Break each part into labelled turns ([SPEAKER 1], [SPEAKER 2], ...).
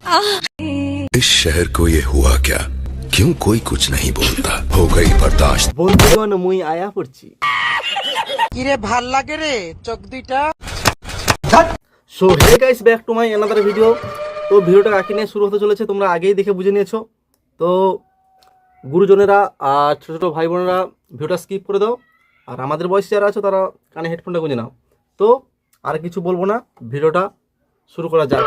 [SPEAKER 1] इस शहर को ये हुआ क्या? क्यों कोई कुछ नहीं बोलता? हो गई बर्दाश्त।
[SPEAKER 2] বন্ধুগণ মুই আয়া পড়ছি।
[SPEAKER 3] কিরে ভাল লাগে রে চোখ দুইটা।
[SPEAKER 2] So hey guys back to my another video. তো ভিডিওটা কাকে নিয়ে শুরু হতে চলেছে তোমরা আগেই দেখে বুঝে নিয়েছো। তো গুরুজনেরা আর ছোটো ছোটো ভাই বোনেরা ভিডিওটা স্কিপ করে দাও, আর আমাদের বয়সে যারা আছো তারা কানে হেডফোনটা গুঁজে নাও। তো আর কিছু বলবো না, ভিডিওটা শুরু করা যাক।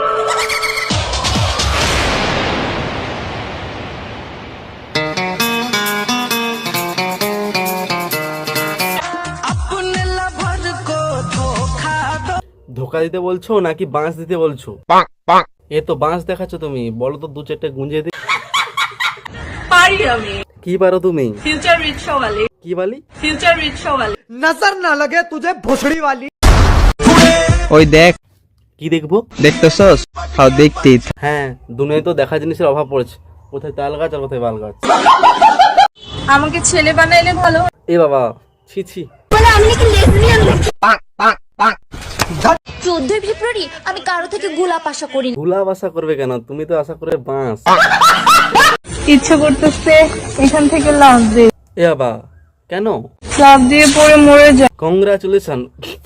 [SPEAKER 2] ধোকা দিতে বলছো নাকি বাঁশ দিতে বলছো? এ তো বাঁশ দেখাচ্ছ তুমি, বলো তো দু চারটে গুঁজে দি।
[SPEAKER 4] পারি আমি।
[SPEAKER 2] কি পারো তুমি?
[SPEAKER 4] ফিউচার রিক্সা वाली।
[SPEAKER 2] কি বালি?
[SPEAKER 4] ফিউচার রিক্সা वाली।
[SPEAKER 3] নজর না লাগে তুঝে ভোসড়ি वाली।
[SPEAKER 5] ওই দেখ,
[SPEAKER 2] কি দেখবো?
[SPEAKER 5] দেখতেছস? হাও দেখতেই থাক।
[SPEAKER 2] হ্যাঁ, দুনিয়ায় তো দেখা জিনিসের অভাব পড়েছে, কোথায় তাল গাছ আর কোথায় বাল গাছ।
[SPEAKER 4] আমাকে ছেলে বানাইলে ভালো।
[SPEAKER 2] এ বাবা, ছি ছি।
[SPEAKER 6] বলে আমি নাকি লেসবিয়ান। 14 ফেব্রুয়ারি আমি কারো থেকে গোলাপ আশা করি।
[SPEAKER 2] গোলাপ আশা করবে কেন? তুমি তো আশা করে বাঁশ।
[SPEAKER 4] ইচ্ছে করতেছে এখান থেকে লাভ দে।
[SPEAKER 2] এ বাবা, কেন?
[SPEAKER 4] লাভ দিয়ে পরে মরে যা।
[SPEAKER 2] কংগ্রাচুলেশন।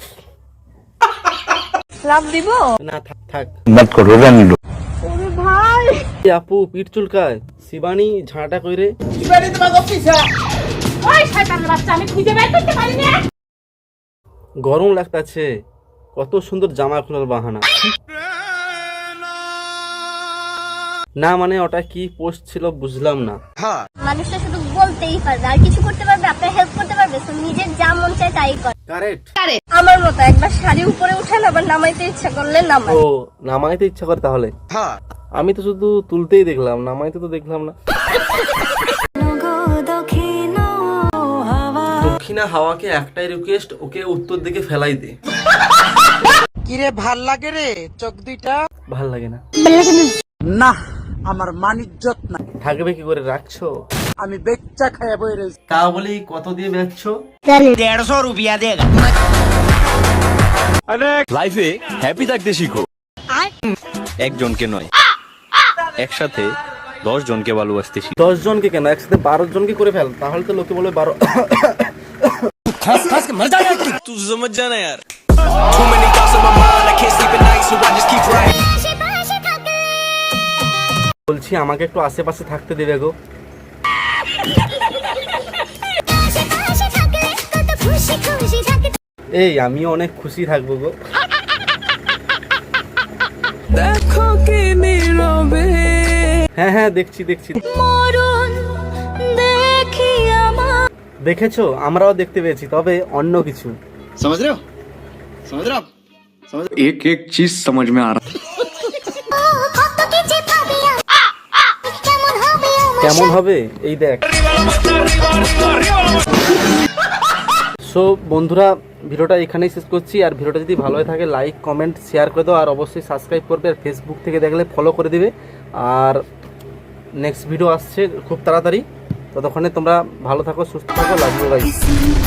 [SPEAKER 4] লাভ দিব
[SPEAKER 2] না থাক থাক।
[SPEAKER 4] ওরে ভাই,
[SPEAKER 2] এ আপু পিঠ চুলকায়, শিবানী ঝাঁটা কইরে।
[SPEAKER 4] ওই শয়তানের বাচ্চা, আমি খুঁজে বের করতে পারি না।
[SPEAKER 2] গরম লাগতাছে, কত সুন্দর জামা খোলার বাহানা। না মানে ওটা কি পোস্ট ছিল বুঝলাম না।
[SPEAKER 6] মানুষটা শুধু বলতেই পারবে, আর কিছু করতে পারবে, আপনার হেল্প করতে পারবে, তো নিজের যা মন চায় তাই করে।
[SPEAKER 2] কারেক্ট।
[SPEAKER 6] আমার মতো একবার শাড়ি উপরে উঠান, আবার নামাইতে ইচ্ছা করলে নামাই।
[SPEAKER 2] ও নামাইতে ইচ্ছা করে তাহলে? আমি তো শুধু তুলতেই দেখলাম, নামাইতে তো দেখলাম না। দক্ষিণা হাওয়াকে একটাই রিকোয়েস্ট, ওকে উত্তর দিকে ফেলাই দে।
[SPEAKER 3] কিরে ভাল লাগে রে চোখ দুইটা?
[SPEAKER 2] ভাল লাগে না।
[SPEAKER 3] না আমার মানিজ্জত না,
[SPEAKER 2] থাকবে কি করে, রাখছো?
[SPEAKER 3] আমি বেচ্চা খাইয়া বই রয়েছি।
[SPEAKER 2] তা বলি কত দিয়ে বেচছো?
[SPEAKER 3] 150 রুপিয়া দেগা।
[SPEAKER 7] লাইফে হ্যাপি থাকতে শিখো, একজনকে নয় একসাথে 10 জনকে ভালোবাসতে শিখো।
[SPEAKER 2] 10 জনকে কেন, একসাথে 12 জনকে করে ফেল, তাহলে তো লোকে বলবে 12।
[SPEAKER 7] तू समझ जाना यार।
[SPEAKER 2] বলছি আমাকে একটু আশেপাশে থাকতে দেবে গো। এই আমিও অনেক খুশি থাকবো গো।
[SPEAKER 4] দেখো কি নীরবে।
[SPEAKER 2] হ্যাঁ হ্যাঁ দেখছি দেখছি। দেখেছো, আমরাও দেখতে পেয়েছি, তবে অন্য কিছু।
[SPEAKER 7] समझ रहे हो आप समझ एक एक चीज समझ में आ रहा।
[SPEAKER 2] কেমন হবে এই দেখ। সো বন্ধুরা, ভিডিওটা এখানেই শেষ করছি। আর ভিডিওটা যদি ভালো হয়ে থাকে লাইক কমেন্ট শেয়ার করে দাও, আর অবশ্যই সাবস্ক্রাইব করবে, আর ফেসবুক থেকে দেখলে ফলো করে দিবে। আর নেক্সট ভিডিও আসছে খুব তাড়াতাড়ি, ততক্ষণে তোমরা ভালো থাকো, সুস্থ থাকো, লাভ ইউ গাইস।